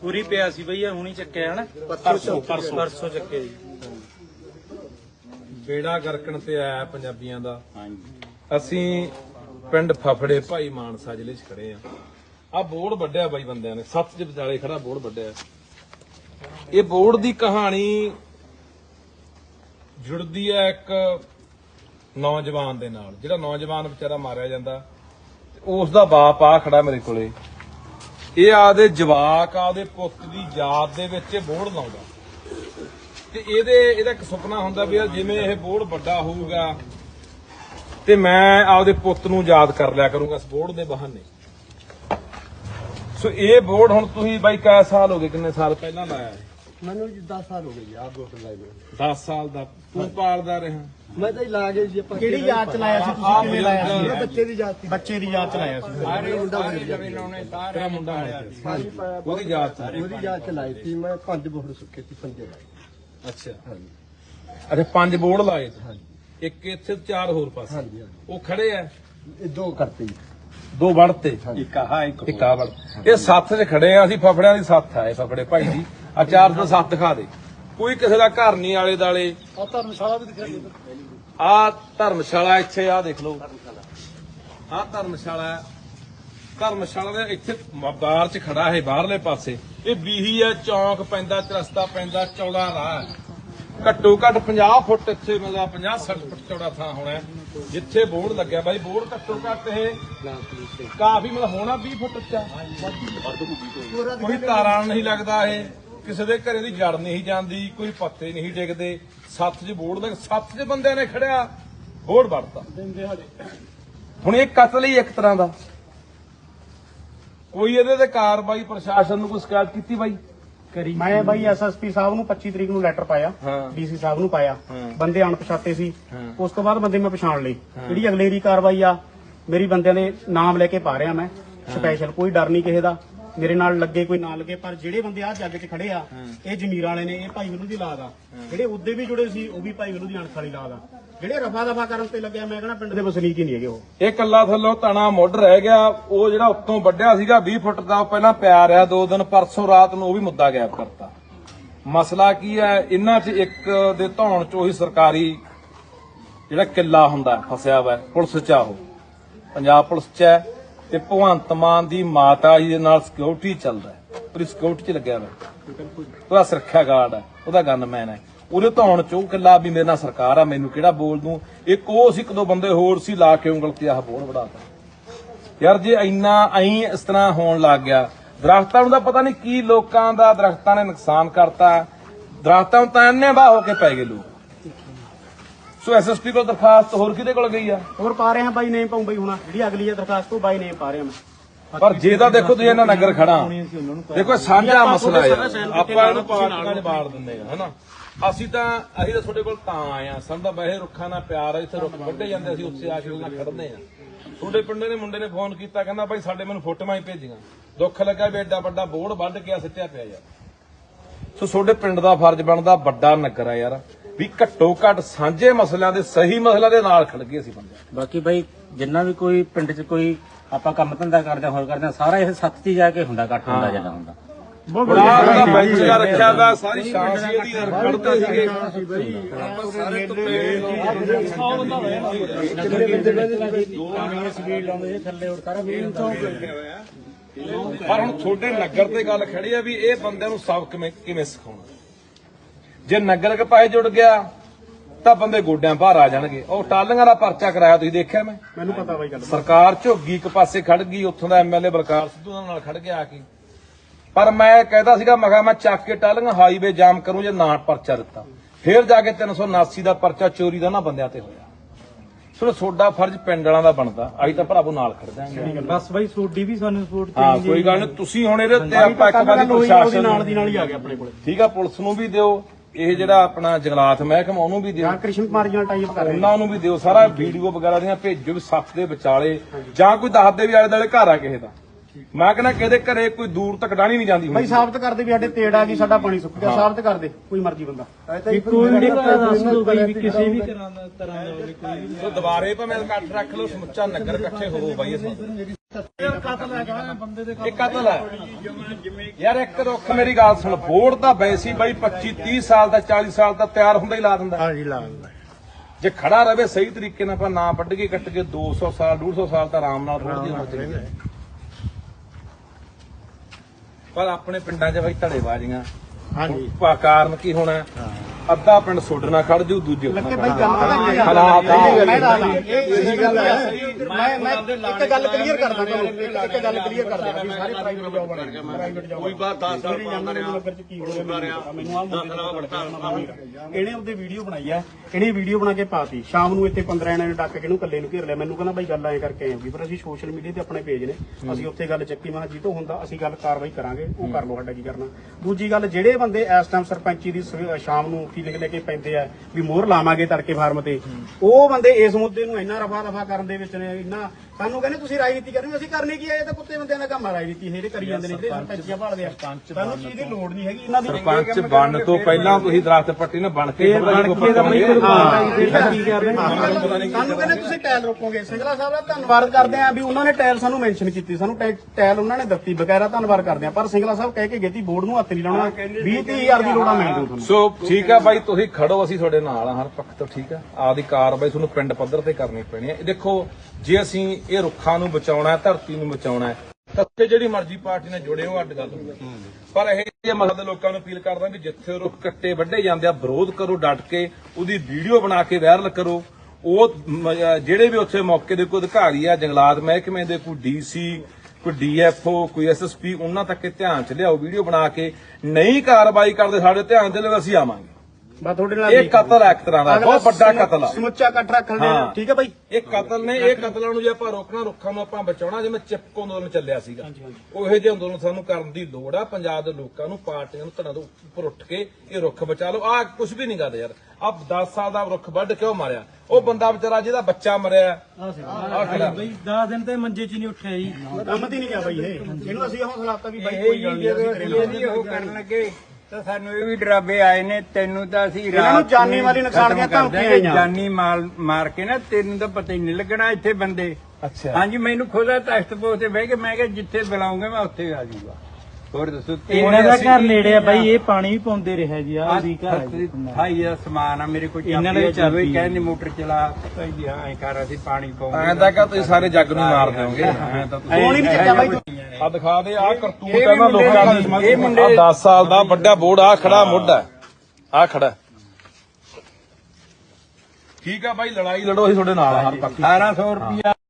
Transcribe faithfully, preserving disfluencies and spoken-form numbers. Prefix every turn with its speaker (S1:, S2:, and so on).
S1: ਪੂਰੀ ਪਿਆ ਸੀ ਬਈ ਹੁਣੀ ਚੱਕਿਆ ਹੈ ਨਾ ਪਰਸੋਂ ਪਰਸੋਂ ਪਰਸੋਂ ਚੱਕਿਆ ਜੀ।
S2: ਬੇੜਾ ਗਰਕਣ ਤੇ ਆਇਆ ਪੰਜਾਬੀਆਂ ਦਾ। ਅਸੀਂ ਪਿੰਡ ਫਫੜੇ ਭਾਈ ਮਾਨਸਾ ਜ਼ਿਲ੍ਹੇ 'ਚ ਖੜੇ ਆ। ਆ ਬੋਰਡ ਵੱਢਿਆ ਬਾਈ ਬੰਦਿਆਂ ਨੇ, ਸੱਤ 'ਚ ਵਿਚਾਲੇ ਖੜਾ ਬੋਰਡ ਵੱਢਿਆ। ਇਹ ਬੋਰਡ ਦੀ ਕਹਾਣੀ ਜੁੜਦੀ ਹੈ ਇੱਕ ਨੌਜਵਾਨ ਦੇ ਨਾਲ, ਜਿਹੜਾ ਨੌਜਵਾਨ ਵਿਚਾਰਾ ਮਾਰਿਆ ਜਾਂਦਾ। ਉਸ ਦਾ ਬਾਪ ਆ ਖੜਾ ਮੇਰੇ ਕੋਲੇ। ਇਹ ਆਪਦੇ ਜਵਾਕ ਆਪਦੇ ਪੁੱਤ ਦੀ ਯਾਦ ਦੇ ਵਿੱਚ ਇਹ ਬੋਰਡ ਲਾਉਂਦਾ ਤੇ ਇਹਦੇ ਇਹਦਾ ਇੱਕ ਸੁਪਨਾ ਹੁੰਦਾ ਵੀ ਜਿਵੇਂ ਇਹ ਬੋਰਡ ਵੱਡਾ ਹੋਊਗਾ ਤੇ ਮੈਂ ਆਪਦੇ ਪੁੱਤ ਨੂੰ ਯਾਦ ਕਰ ਲਿਆ ਕਰੂੰਗਾ ਇਸ ਬੋਰਡ ਦੇ ਬਹਾਨੇ। ਸੋ ਇਹ ਬੋਰਡ ਹੁਣ ਤੁਸੀਂ ਬਾਈ ਕੈ ਸਾਲ ਹੋ ਗਏ, ਕਿੰਨੇ ਸਾਲ ਪਹਿਲਾਂ ਲਾਇਆ ਹੈ?
S3: ਮੈਨੂੰ ਜੀ ਦਸ ਸਾਲ ਹੋ ਗਏ ਜੀ ਆਹ ਬੋਟ ਲਾਏ ਨੂੰ।
S2: ਦਸ ਸਾਲ ਦਾ ਤੂੰ ਪਾਲਦਾ ਰਿਹਾ?
S3: ਮੈਂ ਤਾਂ ਹੀ ਲਾ ਗਏ ਜੀ ਆਪਾਂ।
S4: ਕਿਹੜੀ ਯਾਦ ਚ ਲਾਇਆ ਸੀ ਤੁਸੀਂ? ਕਿਵੇਂ ਲਾਇਆ ਸੀ?
S3: ਮੇਰਾ ਬੱਚੇ ਦੀ ਯਾਦ ਸੀ।
S4: ਬੱਚੇ ਦੀ ਯਾਦ ਚ ਲਾਇਆ ਸੀ।
S2: ਤੇਰਾ ਮੁੰਡਾ ਹੋਇਆ ਸੀ,
S3: ਸਾਰੀ ਪਾਇਆ
S2: ਉਹਦੀ ਯਾਦ ਚ।
S3: ਉਹਦੀ ਯਾਦ ਚ ਲਾਈ ਸੀ ਮੈਂ। ਪੰਜ ਬੋਟ ਸੁੱਕੇ ਸੀ, ਪੰਜੇ ਲਾਏ।
S2: ਅੱਛਾ
S3: ਹਾਂਜੀ
S2: ਅੱਛਾ, ਪੰਜ ਬੋਰਡ ਲਾਏ ਤੂੰ।
S3: ਹਾਂਜੀ
S2: ਇੱਕ ਇੱਥੇ ਚਾਰ ਹੋਰ ਪਾਸੇ।
S3: ਹਾਂਜੀ ਹਾਂਜੀ।
S2: ਉਹ ਖੜੇ ਆ,
S3: ਇਹ ਦੋ ਕਰਤੇ ਜੀ।
S2: ਦੋ ਵੜਤੇ,
S1: ਇੱਕ ਆਹ ਇੱਕ
S2: ਇੱਕ ਆ ਵੜ। ਇਹ ਸੱਤ 'ਚ ਖੜੇ ਆ ਅਸੀਂ, ਫਫੜਿਆਂ ਦੀ ਸੱਤ ਆ ਇਹ ਫਫੜੇ ਭਾਈ ਦੀ। ਆ ਚਾਰ ਤੋਂ ਸੱਤ ਦਿਖਾ ਦੇ। ਕੋਈ ਕਿਸੇ ਦਾ ਘਰ ਨਹੀਂ ਆਲੇ ਦਾਲੇ।
S3: ਆ ਧਰਮਸ਼ਾਲਾ ਵੀ ਦਿਖਾ ਦੇ।
S2: ਆ ਧਰਮਸ਼ਾਲਾ ਇੱਥੇ ਆ ਦੇਖ ਲਓ, ਆ ਧਰਮਸ਼ਾਲਾ ਹੈ। ਧਰਮਸ਼ਾਲਾ ਦੇ ਇੱਥੇ ਬਾਹਰ 'ਚ ਖੜਾ ਹੈ ਬਾਹਰਲੇ ਪਾਸੇ। ਇਹ ਬੀਹੀ ਹੈ, ਚੌਂਕ ਪੈਂਦਾ, ਚਰਸਤਾ ਪੈਂਦਾ, ਚੌੜਾ ਰਾਹ ਹੈ। ਘੱਟੋ ਘੱਟ ਪੰਜਾਹ ਫੁੱਟ ਇੱਥੇ ਮਤਲਬ ਪੰਜਾਹ ਸੱਠ ਫੁੱਟ ਚੌੜਾ ਥਾਂ ਹੋਣਾ ਜਿੱਥੇ ਬੋਰਡ ਲੱਗਿਆ ਬਾਈ। ਬੋਰਡ ਘੱਟੋ ਘੱਟ ਇਹ ਕਾਫੀ ਮਤਲਬ ਹੋਣਾ ਵੀਹ ਫੁੱਟ ਉੱਚਾ। ਕੋਈ ਤਾਰਾਂ ਨਹੀਂ ਲੱਗਦਾ, ਇਹ ਕਿਸੇ ਦੇ ਘਰੇ ਦੀ ਜੜ ਨਹੀਂ ਜਾਂਦੀ, ਕੋਈ ਪੱਤੇ ਨਹੀਂ ਡਿੱਗਦੇ। ਸੱਤ 'ਚ ਬੋਰਡ ਲੱਗ, ਸੱਤ 'ਚ ਬੰਦਿਆਂ ਨੇ ਖੜਿਆ ਬੋਰਡ ਵੜਤਾ। ਹੁਣ ਇਹ ਕਤਲ ਹੀ ਇੱਕ ਤਰ੍ਹਾਂ ਦਾ। ਕੋਈ ਇਹਦੇ ਤੇ ਕਾਰਵਾਈ ਪ੍ਰਸ਼ਾਸਨ ਨੂੰ ਕੋਈ ਸ਼ਿਕਾਇਤ ਕੀਤੀ ਬਾਈ?
S4: ਕਰੀ ਮੈਂ ਬਾਈ ਐਸਐਸਪੀ ਸਾਹਿਬ ਨੂੰ ਪੱਚੀ ਤਰੀਕ ਨੂੰ ਲੈਟਰ ਪਾਇਆ, ਡੀਸੀ ਸਾਹਿਬ ਨੂੰ ਪਾਇਆ। ਬੰਦੇ ਅਣਪਛਾਤੇ ਸੀ, ਉਸ ਤੋਂ ਬਾਅਦ ਬੰਦੇ ਮੈਂ ਪਛਾਣ ਲਈ। ਜਿਹੜੀ ਅਗਲੇਰੀ ਕਾਰਵਾਈ ਆ ਮੇਰੀ ਬੰਦਿਆਂ ਦੇ ਨਾਮ ਲੈ ਕੇ ਪਾ ਰਿਹਾ ਮੈਂ ਸਪੈਸ਼ਲ। ਕੋਈ ਡਰ ਨਹੀਂ ਕਿਸੇ ਦਾ, ਮੇਰੇ ਨਾਲ ਲੱਗੇ ਕੋਈ ਨਾ ਲੱਗੇ। ਪਰ ਜਿਹੜੇ ਬੰਦੇ ਆ ਜੱਗ 'ਚ ਖੜੇ ਆ ਇਹ ਜ਼ਮੀਰ ਵਾਲੇ ਨੇ, ਇਹ ਭਾਈ ਵੱਲੋਂ ਦੀ ਲਾਦ ਆ। ਜਿਹੜੇ ਉਦੇ ਵੀ ਜੁੜੇ ਸੀ ਉਹ ਵੀ ਭਾਈ ਵੱਲੋਂ ਦੀ ਅਣਖ ਵਾਲੀ ਲਾਦ ਆ। ਜਿਹੜੇ ਰਫਾ ਦਫਾ ਕਰਨ ਤੇ ਲੱਗਿਆ ਮੈਂ ਕਹਿੰਦਾ ਪਿੰਡ ਦੇ ਵਸਨੀਕ ਹੀ ਨਹੀਂ ਹੈਗੇ ਉਹ।
S2: ਇਹ ਕੱਲਾ ਥੱਲੋਂ ਤਣਾ ਮੁੱਢ ਰਹਿ ਗਿਆ। ਉਹ ਜਿਹੜਾ ਉੱਤੋਂ ਵੱਢਿਆ ਸੀਗਾ ਵੀਹ ਫੁੱਟ ਦਾ, ਉਹ ਪਹਿਲਾਂ ਪਿਆ ਰਿਹਾ ਦੋ ਦਿਨ, ਪਰਸੋਂ ਰਾਤ ਨੂੰ ਉਹ ਵੀ ਮੁੱਦਾ ਗਾਇਬ ਕਰਤਾ। ਮਸਲਾ ਕੀ ਹੈ ਇਹਨਾਂ 'ਚ? ਇੱਕ ਦੇ ਧੌਣ 'ਚ ਉਹੀ ਸਰਕਾਰੀ ਜਿਹੜਾ ਕਿੱਲਾ ਹੁੰਦਾ ਫਸਿਆ ਵਾ, ਪੁਲਿਸ 'ਚ ਆ, ਉਹ ਪੰਜਾਬ ਪੁਲਿਸ 'ਚ ਹੈ ਤੇ ਭਗਵੰਤ ਮਾਨ ਦੀ ਮਾਤਾ ਜੀ ਦੇ ਨਾਲ ਸਿਕਿਉਰਿਟੀ ਚੱਲਦਾ ਹੈ, ਪੂਰੀ ਸਿਕਿਉਰਿਟੀ 'ਚ ਲੱਗਿਆ ਵਾ। ਉਹਦਾ ਸੁਰੱਖਿਆ ਗਾਰਡ ਹੈ, ਉਹਦਾ ਗਨਮੈਨ ਹੈ। ਉਹਦੇ ਧੌਣ 'ਚ ਉਹ ਕਿੱਲਾ ਵੀ ਮੇਰੇ ਨਾਲ ਸਰਕਾਰ ਆ, ਮੈਨੂੰ ਕਿਹੜਾ ਬੋਲ ਦੂੰ। ਇੱਕ ਉਹ ਸੀ, ਇੱਕ ਦੋ ਬੰਦੇ ਹੋਰ ਸੀ, ਲਾ ਕੇ ਉਂਗਲ ਤੇ ਆਹ ਬੋਲ ਵੜਾਤਾ। ਯਾਰ ਜੇ ਇੰਨਾ ਐਂ ਇਸ ਤਰ੍ਹਾਂ ਹੋਣ ਲੱਗ ਗਿਆ, ਦਰਖਤਾਂ ਨੂੰ ਤਾਂ ਪਤਾ ਨਹੀਂ ਕੀ ਲੋਕਾਂ ਦਾ ਦਰਖਤਾਂ ਨੇ ਨੁਕਸਾਨ ਕਰਤਾ। ਦਰਖਤਾਂ ਨੂੰ ਤਾਂ ਇੰਨੇ ਬਾਹ ਹੋ ਕੇ ਪੈ ਗਏ ਲੋਕ। ਸੋ ਐਸਐਸਪੀ ਕੋਲ ਦਰਖਾਸਤ ਹੋਰ ਕਿਹਦੇ ਕੋਲ ਗਈ ਆ?
S4: ਹੋਰ ਪਾ ਰਿਹਾ ਬਾਈ ਨੇਮ ਪਾਉਂ ਬਾਈ। ਹੁਣ ਜਿਹੜੀ ਅਗਲੀ ਹੈ ਦਰਖਾਸਤ ਉਹ ਬਾਈ ਨੇਮ ਪਾ ਰਿਹਾ ਮੈਂ।
S2: ਪਰ ਜੇ ਤਾਂ ਦੇਖੋ ਤੁਸੀਂ ਇਹਨਾਂ ਨਗਰ ਖੜਾ, ਦੇਖੋ ਸਾਂਝਾ ਮਸਲਾ ਹੈ। ਆਪਾਂ ਇਹਨੂੰ ਪਾਰਟੀਆਂ 'ਚ ਬਾੜ ਦਿੰਦੇ ਆ, ਹਨਾ। ਅਸੀਂ ਤਾਂ ਅਸੀਂ ਤਾਂ ਤੁਹਾਡੇ ਕੋਲ ਤਾਂ ਆਏ ਆ, ਸਾਨੂੰ ਤਾਂ ਵੈਸੇ ਰੁੱਖਾਂ ਨਾਲ ਪਿਆਰ ਆ। ਜਿੱਥੇ ਰੁੱਖ ਵੱਢੇ ਜਾਂਦੇ ਅਸੀਂ ਉੱਥੇ ਆ ਕੇ ਉਹਨਾਂ ਖੜਦੇ ਆ। ਤੁਹਾਡੇ ਪਿੰਡੇ ਦੇ ਮੁੰਡੇ ਨੇ ਫੋਨ ਕੀਤਾ, ਕਹਿੰਦਾ ਬਾਈ ਸਾਡੇ ਮੈਨੂੰ ਫੋਟੋਆਂ ਹੀ ਭੇਜੀਆਂ। ਦੁੱਖ ਲੱਗਾ ਵੀ ਐਡਾ ਵੱਡਾ ਬੋਰਡ ਵੱਢ ਕੇ ਆ ਸਿੱਟਿਆ ਪਿਆ ਯਾਰ। ਸੋ ਤੁਹਾਡੇ ਪਿੰਡ ਦਾ ਫਰਜ਼ ਬਣਦਾ, ਵੱਡਾ ਨਗਰ ਆ ਯਾਰ, ਵੀ ਘੱਟੋ ਘੱਟ ਸਾਂਝੇ ਮਸਲਿਆਂ ਦੇ ਸਹੀ ਮਸਲਿਆਂ ਦੇ ਨਾਲ ਖੜ ਗਏ ਅਸੀਂ ਬੰਦੇ।
S5: ਬਾਕੀ ਬਾਈ ਜਿੰਨਾ ਵੀ ਕੋਈ ਪਿੰਡ 'ਚ ਕੋਈ ਆਪਾਂ ਕੰਮ ਧੰਦਾ ਕਰਦੇ ਹੋਰ ਕਰਦੇ ਸਾਰਾ ਇਹ ਸੱਤ 'ਚ ਜਾ ਕੇ ਹੁੰਦਾ, ਇਕੱਠ ਹੁੰਦਾ ਜਿਆਦਾ ਹੁੰਦਾ।
S2: ਬੜਾ ਬੈਂਚ ਦਾ ਰੱਖਿਆ ਦਾ, ਸਾਰੀ ਸ਼ਾਂਤੀ ਇਹਦੀ ਖੜਦੇ ਸੀਗੇ। ਸਾਰੇ ਪਰ ਹੁਣ ਤੁਹਾਡੇ ਨਗਰ ਤੇ ਗੱਲ ਖੜੀ ਆ ਵੀ ਇਹ ਬੰਦਿਆਂ ਨੂੰ ਸਬਕ ਕਿਵੇਂ ਕਿਵੇਂ ਸਿਖਾਉਣਾ। ਜੇ ਨਗਰ ਕਪਾਏ ਜੁੜ ਗਿਆ ਤਾਂ ਬੰਦੇ ਗੋਡਿਆਂ ਭਾਰ ਆ ਜਾਣਗੇ। ਉਹ ਟਾਲੀਆਂ ਦਾ ਪਰਚਾ ਕਰਾਇਆ ਤੁਸੀਂ ਦੇਖਿਆ? ਮੈਂ
S4: ਮੈਨੂੰ ਪਤਾ ਬਾਈ ਗੱਲ।
S2: ਸਰਕਾਰ ਝੋਗੀ ਇੱਕ ਪਾਸੇ ਖੜ ਗਈ, ਉੱਥੋਂ ਦਾ ਐਮਐਲਏ ਬਲਕਾਰ ਸਿੱਧੂ ਨਾਲ ਖੜ ਗਿਆ ਆ ਕੇ। ਪਰ ਮੈਂ ਕਹਿੰਦਾ ਸੀਗਾ, ਮੈਂ ਕਿਹਾ ਮੈਂ ਚੱਕ ਕੇ ਟਾਲੀਆਂ ਹਾਈਵੇ ਜਾਮ ਕਰੂੰ ਜੇ ਨਾ ਪਰਚਾ ਦਿੱਤਾ। ਫੇਰ ਜਾ ਕੇ ਤਿੰਨ ਸੌ ਉਨਾਸੀ ਦਾ ਪਰਚਾ ਚੋਰੀ ਦਾ ਨਾ ਬੰਦਿਆਂ ਤੇ ਹੋਇਆ। ਸੋ ਤੁਹਾਡਾ ਫਰਜ਼ ਪਿੰਡ ਵਾਲਾਂ ਦਾ ਬਣਦਾ। ਅਸੀਂ ਤਾਂ ਭਰਾਵੋ ਨਾਲ ਖੜ ਜਾਾਂਗੇ।
S4: ਬਸ ਬਾਈ ਸੋਡੀ ਵੀ ਸਾਨੂੰ ਸਪੋਰਟ
S2: ਹਾਂ, ਕੋਈ ਗੱਲ ਨਹੀਂ। ਤੁਸੀਂ ਹੁਣ ਇਹਦੇ ਉੱਤੇ ਆਪਾਂ ਇੱਕ ਵਾਰੀ ਪ੍ਰਸ਼ਾਸਨ
S4: ਨਾਲ ਦੀ ਨਾਲ ਹੀ ਆ ਗਿਆ ਆਪਣੇ ਕੋਲੇ।
S2: ਠੀਕ ਆ, ਪੁਲਿਸ ਨੂੰ ਵੀ ਦਿਓ, ਇਹ ਜਿਹੜਾ ਆਪਣਾ ਜੰਗਲਾਤ ਮਹਿਕਮਾ ਉਹਨੂੰ ਵੀ ਦਿਓ,
S4: ਕ੍ਰਿਸ਼ਨ ਕੁਮਾਰ ਜੀ ਨਾਲ ਟਾਈ ਅਪ ਕਰ ਰਹੇ
S2: ਉਹਨਾਂ ਨੂੰ ਵੀ ਦਿਓ। ਸਾਰਾ ਵੀਡੀਓ ਵਗੈਰਾ ਦੀਆਂ ਭੇਜੋ ਵੀ ਸੱਤ ਦੇ ਵਿਚਾਲੇ, ਜਾਂ ਕੋਈ ਦੱਸਦੇ ਵੀ ਆਲੇ ਦੁਆਲੇ ਘਰ ਆ ਕਿਸੇ ਦਾ। ਮੈਂ ਕਹਿੰਦਾ ਕਿਹਦੇ ਘਰੇ ਕੋਈ ਦੂਰ ਤੱਕ ਡਾਣੀ ਨਹੀਂ ਜਾਂਦੀ
S4: ਬਾਈ। ਸਾਬਤ ਕਰਦੇ ਵੀ ਸਾਡੇ ਤੇੜ ਆ ਗਈ, ਸਾਡਾ ਪਾਣੀ ਸੁੱਕ ਗਿਆ। ਸਾਬਤ ਕਰਦੇ ਕੋਈ ਮਰਜ਼ੀ ਬੰਦਾ।
S5: ਕੋਈ ਵੀ ਦੱਸ ਦੋ ਬਾਈ, ਕਿਸੇ ਵੀ ਤਰ੍ਹਾਂ ਦਾ ਤਰ੍ਹਾਂ ਦਾ
S2: ਦੁਬਾਰੇ ਭਾਵੇਂ ਇਕੱਠ ਰੱਖ ਲਓ, ਸਮੁੱਚਾ ਨਗਰ ਇਕੱਠੇ ਹੋਵੋ ਬਾਈ। ਇਹ ਕਤਲ ਹੈ ਯਾਰ। ਇੱਕ ਰੁੱਖ ਮੇਰੀ ਗੱਲ ਸੁਣ, ਬੋਰਡ ਦਾ ਵੈਸੀ ਬਾਈ ਪੱਚੀ ਤੀਹ ਸਾਲ ਦਾ ਚਾਲੀ ਸਾਲ ਦਾ ਤਿਆਰ ਹੁੰਦਾ ਹੀ ਲਾ ਦਿੰਦਾ।
S3: ਹਾਂਜੀ ਲਾ ਦਿੰਦਾ।
S2: ਜੇ ਖੜਾ ਰਵੇ ਸਹੀ ਤਰੀਕੇ ਨਾਲ, ਆਪਾਂ ਨਾ ਵੱਢ ਕੇ ਕੱਟ ਕੇ ਦੋ ਸੌ ਸਾਲ ਡੇਢ ਸੌ ਸਾਲ ਤਾਂ ਆਰਾਮ ਨਾਲ ਰੋੜਦੀ ਹੁੰਦੀ। ਪਰ ਆਪਣੇ ਪਿੰਡਾਂ 'ਚ ਬਾਈ ਧੜੇਬਾਜ਼ੀਆਂ,
S3: ਹਾਂਜੀ
S2: ਕਾਰਨ ਕੀ ਹੋਣਾ, ਅੱਧਾ ਪਿੰਡ ਸੁੱਡਣਾ ਖੜ ਜੂ, ਦੂਜੇ
S4: ਲੱਗੇ ਬਾਈ ਗੱਲ ਪਤਾ ਕੀ ਆ?
S2: ਹਾਲਾਤ ਆ।
S4: ਮੈਂ ਦੱਸਦਾ, ਇਹ ਸਹੀ ਗੱਲ ਹੈ। ਮੈਂ ਮੈਂ ਇੱਕ ਗੱਲ ਕਲੀਅਰ ਕਰਦਾ ਤੁਹਾਨੂੰ, ਇੱਕ ਇੱਕ ਗੱਲ ਕਲੀਅਰ ਕਰਦਾ ਵੀ ਸਾਰੇ ਪ੍ਰਾਈਵੇਟ ਜੌਬ ਵਾਲੇ ਪ੍ਰਾਈਵੇਟ ਜੌਬ ਕੋਈ ਬਾਤ ਦਸ ਸਾਲ ਬਾਅਦ ਨਗਰ ਚ ਕੀ ਹੋ ਰਿਹਾ ਮੈਨੂੰ ਆ ਮੁੰਡੇ ਦਾ ਪਤਾ। ਇਹਨੇ ਉਹਦੇ ਵੀਡੀਓ ਬਣਾਈ ਆ, ਇਹਨੇ ਵੀਡੀਓ ਬਣਾ ਕੇ ਪਾਤੀ। ਸ਼ਾਮ ਨੂੰ ਇੱਥੇ ਪੰਦਰਾਂ ਜਣਿਆਂ ਨੇ ਡੱਕ ਕੇ ਇਹਨੂੰ ਇਕੱਲੇ ਨੂੰ ਘੇਰ ਲਿਆ। ਮੈਨੂੰ ਕਹਿੰਦਾ ਬਾਈ ਗੱਲ ਐਂ ਕਰਕੇ ਆਏ ਵੀ, ਫਿਰ ਅਸੀਂ ਸੋਸ਼ਲ ਮੀਡੀਆ ਤੇ ਆਪਣੇ ਪੇਜ ਨੇ, ਅਸੀਂ ਉੱਥੇ ਗੱਲ ਚੱਕੀ। ਮੈਂ ਜੀ ਤੋਂ ਹੁੰਦਾ ਅਸੀਂ ਗੱਲ ਕਾਰਵਾਈ ਕਰਾਂਗੇ, ਉਹ ਕਰ ਲਓ, ਸਾਡਾ ਕੀ ਕਰਨਾ। ਦੂਜੀ ਗੱਲ, ਜਿਹੜੇ ਬੰਦੇ ਇਸ ਟਾਈਮ ਸਰਪੰਚੀ ਦੀ ਸ਼ਾਮ ਨੂੰ ਫੀਲਿੰਗ ਲੈ ਕੇ ਪੈਂਦੇ ਆ ਵੀ ਮੋਹਰ ਲਾਵਾਂਗੇ ਤੜਕੇ ਫਾਰਮ ਤੇ, ਉਹ ਬੰਦੇ ਇਸ ਮੁੱਦੇ ਨੂੰ ਇੰਨਾ ਰਫਾ ਦਫਾ ਕਰਨ ਦੇ ਵਿੱਚ ਨੇ। ਇੰਨਾ ਸਾਨੂੰ ਕਹਿੰਦੇ ਤੁਸੀਂ ਰਾਜਨੀਤੀ ਕਰਨੀ, ਅਸੀਂ ਕਰਨੀ ਕੀ ਹੈ? ਇਹ ਤਾਂ ਕੁੱਤੇ ਬੰਦਿਆਂ ਦਾ ਕੰਮ ਆ ਰਾਜਨੀਤੀ, ਜਿਹੜੇ ਕਰੀ ਜਾਂਦੇ ਨੇ, ਜਿਹੜੇ ਸਰਪੰਚੀਆਂ ਭਾਲਦੇ ਆ। ਸਾਨੂੰ ਚੀਜ਼ ਦੀ ਲੋੜ ਨਹੀਂ ਹੈਗੀ ਇਹਨਾਂ ਦੀ।
S2: ਸਰਪੰਚ ਬਣਨ ਤੋਂ ਪਹਿਲਾਂ ਤੁਸੀਂ ਦਰਖਤ ਪੱਟੀ ਨਾ ਬਣ ਕੇ
S4: ਸਾਨੂੰ ਕਹਿੰਦੇ ਤੁਸੀਂ ਟਾਇਲ ਰੋਕੋਗੇ। ਸਿੰਗਲਾ ਸਾਹਿਬ ਦਾ ਧੰਨਵਾਦ ਕਰਦੇ ਆ ਵੀ ਉਹਨਾਂ ਨੇ ਟਾਇਲ ਸਾਨੂੰ ਮੈਂਸ਼ਨ ਕੀਤੀ, ਸਾਨੂੰ ਟਾਇਲ ਉਹਨਾਂ ਨੇ ਦਿੱਤੀ ਬਕਾਇਦਾ, ਧੰਨਵਾਦ ਕਰਦੇ ਆ। ਪਰ ਸਿੰਗਲਾ ਸਾਹਿਬ ਕਹਿ ਕੇ ਗਏ ਸੀ ਬੋਰਡ ਨੂੰ ਹੱਥ ਨਹੀਂ ਲਾਉਣਾ, ਵੀਹ ਤੀਹ ਹਜ਼ਾਰ ਦੀ ਲੋੜਾਂ ਮੈਂ ਦਊਂ ਤੁਹਾਨੂੰ।
S2: ਸੋ ਠੀਕ ਆ ਬਾਈ, ਤੁਸੀਂ ਖੜੋ, ਅਸੀਂ ਤੁਹਾਡੇ ਨਾਲ ਆ ਹਰ ਪੱਖ ਤੋਂ। ਠੀਕ ਆ, ਆਪਦੀ ਕਾਰਵਾਈ ਤੁਹਾਨੂੰ ਪਿੰਡ ਪੱਧਰ ਤੇ ਕਰਨੀ ਪੈਣੀ ਹੈ। ਦੇਖੋ, ਜੇ ਅਸੀਂ ਇਹ ਰੁੱਖਾਂ ਨੂੰ ਬਚਾਉਣਾ ਹੈ, ਧਰਤੀ ਨੂੰ ਬਚਾਉਣਾ ਹੈ, ਤਾਂ ਜਿਹੜੀ ਮਰਜ਼ੀ ਪਾਰਟੀ ਨਾਲ ਜੁੜੇ ਹੋ, ਅੱਡ ਗੱਲ ਹੁੰਦੀ। ਪਰ ਇਹ ਜੇ ਮਸਲਾ ਦੇ ਲੋਕਾਂ ਨੂੰ ਅਪੀਲ ਕਰਦਾ ਵੀ ਜਿੱਥੇ ਰੁੱਖ ਕੱਟੇ ਵੱਢੇ ਜਾਂਦੇ ਆ, ਵਿਰੋਧ ਕਰੋ ਡਟ ਕੇ, ਉਹਦੀ ਵੀਡੀਓ ਬਣਾ ਕੇ ਵਾਇਰਲ ਕਰੋ। ਉਹ ਜਿਹੜੇ ਵੀ ਉੱਥੇ ਮੌਕੇ ਦੇ ਕੋਈ ਅਧਿਕਾਰੀ ਆ, ਜੰਗਲਾਤ ਮਹਿਕਮੇ ਦੇ, ਕੋਈ ਡੀਸੀ, ਕੋਈ ਡੀਐਫਓ, ਕੋਈ ਐਸਐਸਪੀ, ਉਹਨਾਂ ਤੱਕ ਧਿਆਨ ਚ ਲਿਆਓ ਵੀਡੀਓ ਬਣਾ ਕੇ। ਨਹੀਂ ਕਾਰਵਾਈ ਕਰਦੇ ਸਾਡੇ ਧਿਆਨ ਦੇ ਲਈ, ਅਸੀਂ ਆਵਾਂਗੇ।
S4: ਬਸ ਤੁਹਾਡੇ ਨਾਲ
S2: ਇਹ ਕਤਲ ਹੈ ਇੱਕ ਤਰ੍ਹਾਂ ਦਾ, ਬਹੁਤ ਵੱਡਾ ਕਤਲ ਆ।
S4: ਸਮੁੱਚਾ ਇਕੱਠ ਰੱਖ ਲੈਂਦੇ ਆ, ਠੀਕ ਹੈ ਬਾਈ।
S2: ਇਹ ਕਤਲ ਨੇ, ਇਹ ਕਤਲਾਂ ਨੂੰ ਜੇ ਆਪਾਂ ਰੋਕਣਾ, ਰੁੱਖਾਂ ਨੂੰ ਆਪਾਂ ਬਚਾਉਣਾ, ਜਿਵੇਂ ਚਿਪਕੋ ਅੰਦੋਲਨ ਚੱਲਿਆ ਸੀਗਾ, ਉਹੋ ਜਿਹੇ ਅੰਦੋਲਨ ਸਾਨੂੰ ਕਰਨ ਦੀ ਲੋੜ ਆ। ਪੰਜਾਬ ਦੇ ਲੋਕਾਂ ਨੂੰ, ਪਾਰਟੀਆਂ ਨੂੰ ਧੜਾਂ ਤੋਂ ਉੱਪਰ ਉੱਠ ਕੇ ਇਹ ਰੁੱਖ ਬਚਾ ਲਓ। ਆਹ ਕੁਝ ਵੀ ਨਹੀਂ ਕਰਦੇ ਯਾਰ। ਆਹ ਦਸ ਸਾਲ ਦਾ ਰੁੱਖ ਵੱਢ ਕਿਉਂ ਮਾਰਿਆ? ਉਹ ਬੰਦਾ ਵਿਚਾਰਾ ਜਿਹਦਾ ਬੱਚਾ ਮਰਿਆ, ਆਹ ਖੜਾ
S1: ਬਈ ਦਸ ਦਿਨ ਤੇ ਮੰਜੇ 'ਚ ਨਹੀਂ ਉੱਠਿਆ ਜੀ,
S4: ਕੰਮ ਤੇ ਨਹੀਂ ਗਿਆ ਬਾਈ ਇਹ। ਇਹਨੂੰ ਅਸੀਂ ਹੌਸਲਾ ਦਿੱਤਾ ਵੀ ਬਾਈ ਕੋਈ ਗੱਲ ਨਹੀਂ,
S6: ਉਹ ਕਰਨ ਲੱਗੇ ਤਾਂ ਸਾਨੂੰ ਇਹ ਵੀ ਡਰਾਵੇ ਆਏ ਨੇ, ਤੈਨੂੰ ਤਾਂ ਅਸੀਂ
S4: ਇਹਨਾਂ ਨੂੰ ਜਾਨੀ ਮਾਲੀ ਨੁਕਸਾਨ ਦੀਆਂ ਧਮਕੀਆਂ ਆਈਆਂ।
S6: ਜਾਨੀ ਮਾਲ ਮਾਰ ਕੇ ਨਾ, ਤੈਨੂੰ ਤਾਂ ਪਤਾ ਹੀ ਨਹੀਂ ਲੱਗਣਾ ਇੱਥੇ ਬੰਦੇ।
S2: ਅੱਛਾ,
S6: ਹਾਂਜੀ, ਮੈਨੂੰ ਖੁਦਾ ਤਖਤ ਪੋਸ ਤੇ ਬਹਿ ਕੇ ਮੈਂ ਕਿਹਾ ਜਿੱਥੇ ਬੁਲਾਉਂਗੇ ਮੈਂ ਉੱਥੇ ਆ ਜਾਊਗਾ। ਹੋਰ ਦੱਸੋ,
S1: ਇਹਨਾਂ ਦਾ ਘਰ ਨੇੜੇ ਆ ਬਾਈ, ਇਹ ਪਾਣੀ ਵੀ ਪਾਉਂਦੇ ਰਿਹਾ ਜੀ। ਆਹ ਦੀ ਘਰ ਆ ਜੀ।
S6: ਹਾਈ ਦਾ ਸਮਾਨ ਆ ਮੇਰੇ ਕੋਲ,
S1: ਇਹਨਾਂ ਦੇ
S6: ਚਾਬੀ ਵੀ ਕਹਿੰਦੇ ਮੋਟਰ ਚਲਾ ਭਾਈ ਜੀ, ਹਾਂ ਐਂ ਕਰ ਅਸੀਂ ਪਾਣੀ ਪਾਉਂਗੇ।
S2: ਐਂ ਤਾਂ ਕਿ ਤੁਸੀਂ ਸਾਰੇ ਜੱਗ ਨੂੰ ਮਾਰ ਦਿਓਗੇ। ਐਂ ਤਾਂ ਤੁਸੀਂ
S4: ਫੋਨ ਹੀ ਨਹੀਂ ਚੱਕਿਆ ਬਾਈ।
S2: ਆ ਦਿਖਾ ਦੇ, ਆਹ ਕਰਤੂਤ
S6: ਇਹ
S2: ਹੈ ਨਾ
S6: ਮੁੰਡੇ
S2: ਲੋਕਾਂ
S6: ਦਾ-
S2: ਦੀ।
S6: ਇਹ ਮੁੰਡੇ-
S2: ਆਹ ਦਸ ਸਾਲ ਦਾ ਵੱਡਾ ਬੋਰਡ ਆ ਖੜਾ, ਮੁੱਢਾ ਆ ਖੜਾ। ਠੀਕ ਆ ਬਾਈ, ਲੜਾਈ ਲੜੋ, ਅਸੀਂ ਤੁਹਾਡੇ ਨਾਲ ਆ ਹਰ ਪੱਖ।
S6: ਅਠਾਰਾਂ ਸੌ ਰੁਪਇਆ